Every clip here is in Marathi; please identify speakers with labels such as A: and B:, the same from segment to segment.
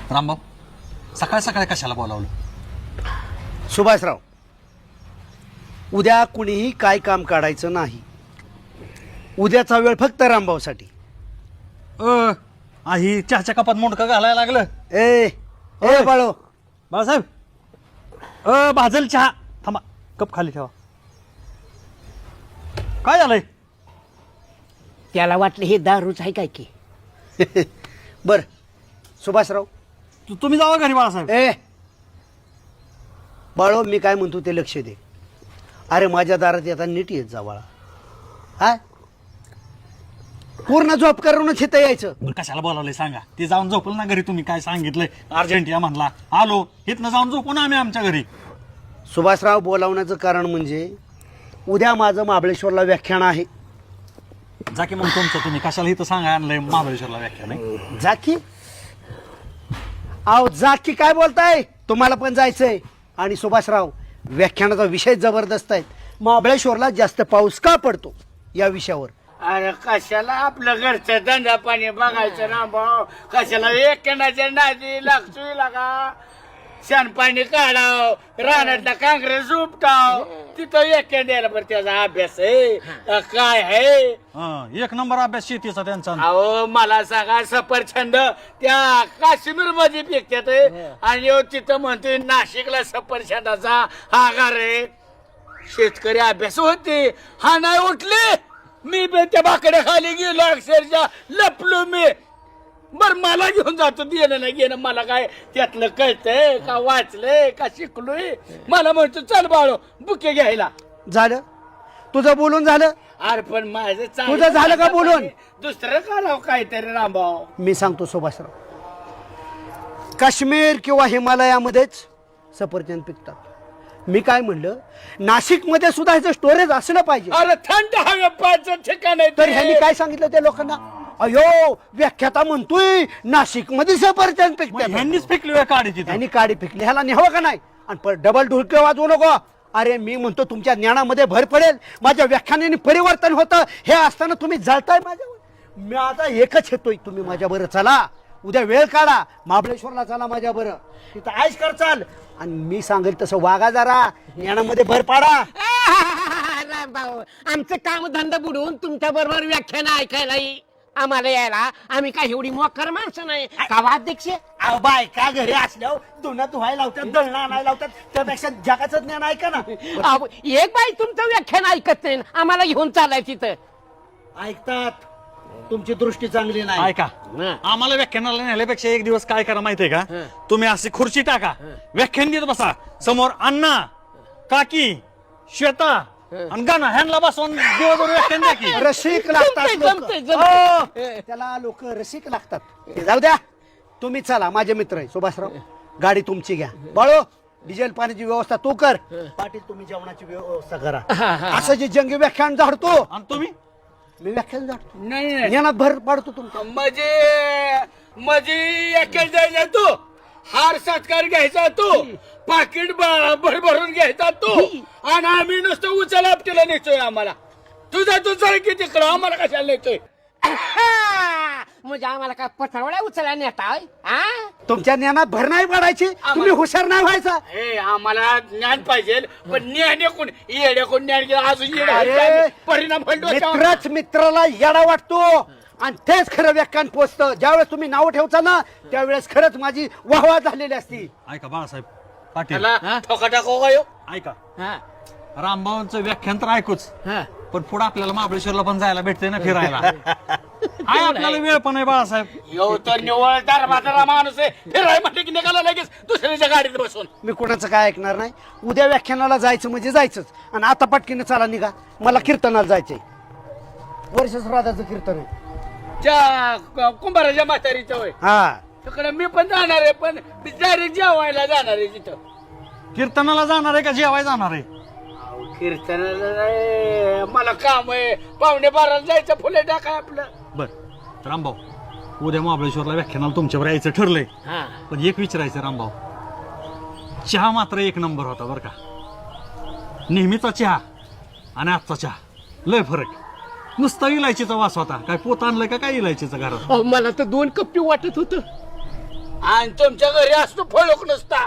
A: रामभाऊ सकाळ सकाळी कशाला बोलावलं?
B: सुभाषराव, उद्या कुणीही काय काम काढायचं नाही. उद्याचा वेळ फक्त रामभाऊसाठी.
A: ही चहाच्या कपात मुंडकं घालायला लागलं.
B: ए ए बाळो,
A: बाळासाहेब भाजल चहा. थांबा, कप खाली ठेवा. काय झालंय?
C: त्याला वाटलं हे दारूच आहे काय की.
B: बर सुभाषराव,
A: तुम्ही जावा घरी बाळासाहेब.
B: ए बाळो, मी काय म्हणतो ते लक्ष दे. अरे माझ्या दारात येता नीट येत जा बाळा. हा, पूर्ण झोप करूनच इथं यायचं.
A: बरं, कशाला बोलावलंय सांगा. ते जाऊन झोपलं ना घरी. तुम्ही काय सांगितलंय? अर्जंटिया म्हणला, आलो. इथनं जाऊन झोपू ना आम्ही आमच्या घरी.
B: सुभाषराव, बोलावण्याचं कारण म्हणजे उद्या माझं महाबळेश्वरला व्याख्यान आहे.
A: जा की मग तुमचं तुम्ही. कशाला इथं सांगा आणलंय महाबळेश्वरला व्याख्यान आहे?
B: जाकी आहो, जाकी काय बोलताय? तुम्हाला पण जायचंय. आणि सुभाषराव, व्याख्यानाचा विषय जबरदस्त आहे. महाबळेश्वरला जास्त पाऊस का पडतो या विषयावर.
D: अरे कशाला आपलं घरचं धंदा पाणी बघायचं ना भाऊ. कशाला एकनाच्या नादी लागतोय लागा. शानपाणी काढाव, रानातला काँग्रेस उपटाव, तिथं एक द्यायला बरं त्याचा अभ्यास आहे काय आहे.
A: एक नंबर अभ्यास शेतीचा त्यांचा.
D: अहो मला सांगा, सफरचंद त्या काश्मीर मध्ये पिकतात आणि तिथं म्हणतोय नाशिकला सफरचंदाचा आगार आहे. शेतकरी अभ्यास होते, हा नाही उठले. मी बी त्या बाकड्या खाली गेलो, अक्षरशः लपलो मी. बर मला घेऊन जातो, देणं नाही घेणं मला काय त्यातलं कळतंय का, वाचलंय का, शिकलोय. मला म्हणतो चल बाळो बुके घ्यायला.
B: झालं तुझं बोलून झालं?
D: अरे पण माझं
B: तुझं झालं का बोलून?
D: दुसरं करावं काहीतरी रामभाऊ.
B: मी सांगतो सुभाषराव, काश्मीर किंवा हिमालयामध्येच सफरचंद पिकतात. मी काय म्हणलं, नाशिकमध्ये सुद्धा ह्याचं स्टोरेज असलं पाहिजे.
D: अरे थंड हवेचं ठिकाण आहे
B: तर
D: ते.
B: ह्यांनी काय सांगितलं त्या लोकांना? अयो, व्याख्याता म्हणतोय नाशिकमध्ये सफरचंद पिकतात.
A: ह्यांनीच फेकली काढी तिथं.
B: त्यांनी काडी फेकली, ह्याला न्यावं का नाही? आणि डबल ढुलके वाजवू नको. अरे मी म्हणतो तुमच्या ज्ञानामध्ये भर पडेल, माझ्या व्याख्यानाने परिवर्तन होतं. हे असताना तुम्ही जळताय माझ्यावर. मी आता एकच येतोय, तुम्ही माझ्या बरं चला. उद्या वेळ काढा, महाबळेश्वरला चला माझ्या बरं. तिथं आयश कर चाल. आणि मी सांगेल तसं वागा जरा. ज्ञानामध्ये भर पाडा.
C: भाऊ, आमचं काम धंदा बुडवून तुमच्या बरोबर व्याख्यान ऐकायला आम्हाला यायला. आम्ही काय एवढी मोकर माणसं नाही का अध्यक्ष?
B: अहो, बायका घरी असल्यावर धुणं धुवायला लावतात, दळणं आणायला लावतात. त्यापेक्षा जगाचं ज्ञान ऐका ना.
C: अहो, एक बाई तुमचं व्याख्यान ऐकत नाही, आम्हाला घेऊन चालाय तिथं.
B: ऐकतात, तुमची दृष्टी चांगली नाही.
A: ऐका, आम्हाला व्याख्यानाला नेल्यापेक्षा एक दिवस काय करा माहितीये का? तुम्ही अशी खुर्ची टाका, व्याख्यान देत बसा. समोर अण्णा, काकी, श्वेता आणि गाणं ह्यांना बसवून दिवसभर व्याख्यान द्या की.
B: रसिक लागतात लोकं.
C: जमतंय, जमतंय.
B: हो, त्याला लोक रसिक लागतात. ते जाऊ द्या, तुम्ही चला. माझे मित्र आहे सुभाषराव, गाडी तुमची घ्या. बाळो, डिझेल पाण्याची व्यवस्था तू कर. पाटील, तुम्ही जेवणाची व्यवस्था करा. असं जे जंगी व्याख्यान झाडतो,
A: आणि तुम्ही
B: मी व्याख्यान झाडतो.
D: नाही
B: ज्ञानात भर पाडतो तुमचा.
D: म्हणजे एकेच द्यायचा तू, हार सत्कार घ्यायचा तू, पाकिट भरभरून घ्यायचा तू, आणि आम्ही नुसतं उचल आपल्याला नेतोय. आम्हाला तुझा तू चल की तिकडं, आम्हाला कशाला नेतोय?
C: म्हणजे आम्हाला काय पथरवड्या उचलायला नेता?
B: तुमच्या ज्ञानात भर नाही पाडायची. तुम्ही हुशार नाही व्हायचा.
D: हे आम्हाला ज्ञान पाहिजे, पण ज्ञान कोण येडे कोण ज्ञान केलं अजून
B: अरे,
D: येडे परिणाम
B: मित्रच मित्राला येडा वाटतो. आणि तेच खरं व्याख्यान पोचतं. ज्यावेळेस तुम्ही नाव ठेवता ना, त्यावेळेस खरंच माझी वाहवा झालेली असती.
A: ऐका बाळासाहेब पाटील,
D: ठोका टाको का यो?
A: ऐका, रामभाऊंचं व्याख्यान तर ऐकूच, पण पुढे आपल्याला महाबळेश्वरला पण जायला भेटते ना, फिरायला. आहे आपल्याला वेळ पण आहे बाळासाहेब.
D: यो तर निवळदार म्हातारा माणूस आहे. फिराय म्हटलं की निघाला लगेच दुसऱ्याच्या गाडीत बसून.
B: मी कोणाचं काय ऐकणार नाही. उद्या व्याख्यानाला जायचं म्हणजे जायचंच. आणि आता पटकीने चला, निघा. मला कीर्तनाला जायचंय. वर्षश्राद्धाचं कीर्तन आहे.
D: त्या कुंभाराच्या म्हातारीचं होय.
B: हा,
D: तिकडे मी पण जाणार आहे, पण डायरेक्ट जेवायला जाणार आहे तिथं.
A: कीर्तनाला जाणार आहे का जेवाय जाणार आहे?
D: कीर्तनाला नाही, मला काम आहे. 11:15 जायचं, फुले टाकाय आपलं.
A: बर रामभाऊ, उद्या महाबळेश्वरला व्याख्यानाला तुमच्यावर यायचं ठरलंय. पण एक विचारायचं रामभाऊ, चहा मात्र एक नंबर होता बर का. नेहमीचा चहा आणि आजचा चहा लय फरक. नुसता इलायचीचा वास होता. काय पोत आणलंय का काय इलायचीचा घरात?
C: मला तर 2 कप्पी वाटत होत.
D: आणि तुमच्या घरी असतो फळूक नसता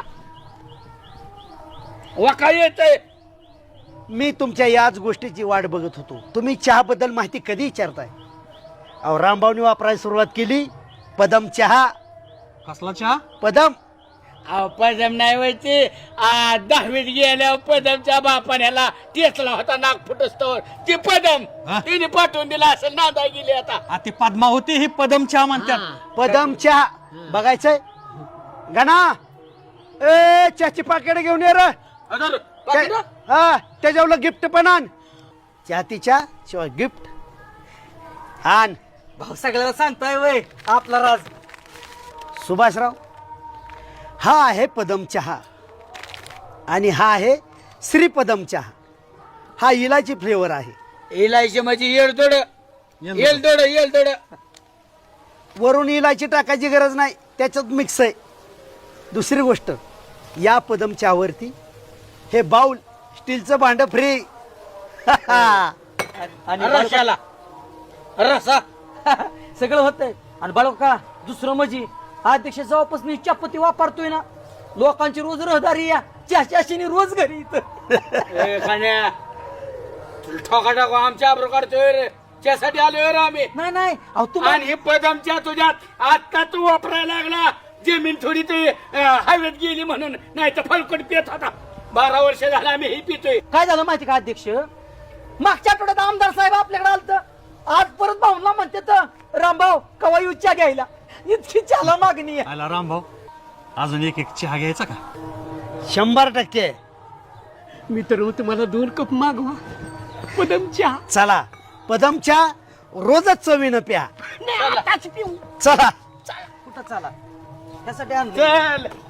D: वका येतंय.
B: मी तुमच्या याच गोष्टीची वाट बघत होतो. तुम्ही चहाबद्दल माहिती कधी विचारताय? अहो रामभाऊनी वापरायला सुरुवात केली पदम चहा.
A: कसला चहा?
B: पदम.
D: अहो पदम नाही व्हायचे 10वीत गेल्यावर पदमच्या बापाण्याला टेचला होता नाक फुटस्तोवर ती पदम
A: हा?
D: तिने पाठवून दिला असेल नांदा गेली आता.
A: ती पद्मा होती ही पदम चहा म्हणतात.
B: पदम चहा बघायचंय. गणा ए चहाची पाकिट घेऊन ये रे.
D: अदर, पाकिटं?
B: हा त्याच्यावर गिफ्ट पण आण. चहातीच्या शिवाय गिफ्ट आण.
E: भाऊ सगळ्याला सांगताय वय आपला राज.
B: सुभाषराव हा आहे पदम चहा आणि हा आहे श्रीपदम चहा. हा इलायची फ्लेवर आहे.
D: इलायची म्हणजे येलदोड येलदोड येलदोड.
B: वरून इलायची टाकायची गरज नाही, त्याच्यात मिक्स आहे. दुसरी गोष्ट, या पदम चहावरती हे बाउल स्टीलचं भांड फ्री.
E: आणि
D: रसाला रसा
E: सगळं होतंय. आणि बाळका दुसरं म्हणजे अध्यक्ष जेव्हापासून ही चहापत्ती वापरतोय ना लोकांची रोज रहदारी या चहाच्याशीने रोज घरी इथं.
D: ए, खाण्या तुला ठोका टाको आमच्या आबरू काढतोय रे. त्यासाठी आलोय रे आम्ही.
E: नाही नाही अहो तुम्हाला
D: आणि हे पदमच्या तुझ्यात आता तू वापरायला लागला. जमीन थोडी ते हवेत गेली म्हणून, नाही तर फलकट पित होता. 12 वर्ष झालं आम्ही हे पितोय.
E: काय झालं माहिती का अध्यक्ष, मागच्या आठवड्यात आमदार साहेब आपल्याकडे आलत. आज परत भाऊला म्हणते तर रामभाऊ कवा येऊ चहा घ्यायला. इतकी चहाला मागणी आहे.
A: आला रामभाऊ अजून एक चहा घ्यायचा का?
B: 100%.
C: मी तर तुम्हाला 2 कप मागवा पदम चहा.
B: चला पदम चहा रोजच चवीनं प्या.
C: नाही, आताच पिऊ.
B: चला.
E: कुठं चाला त्यासाठी आणलं.
D: चल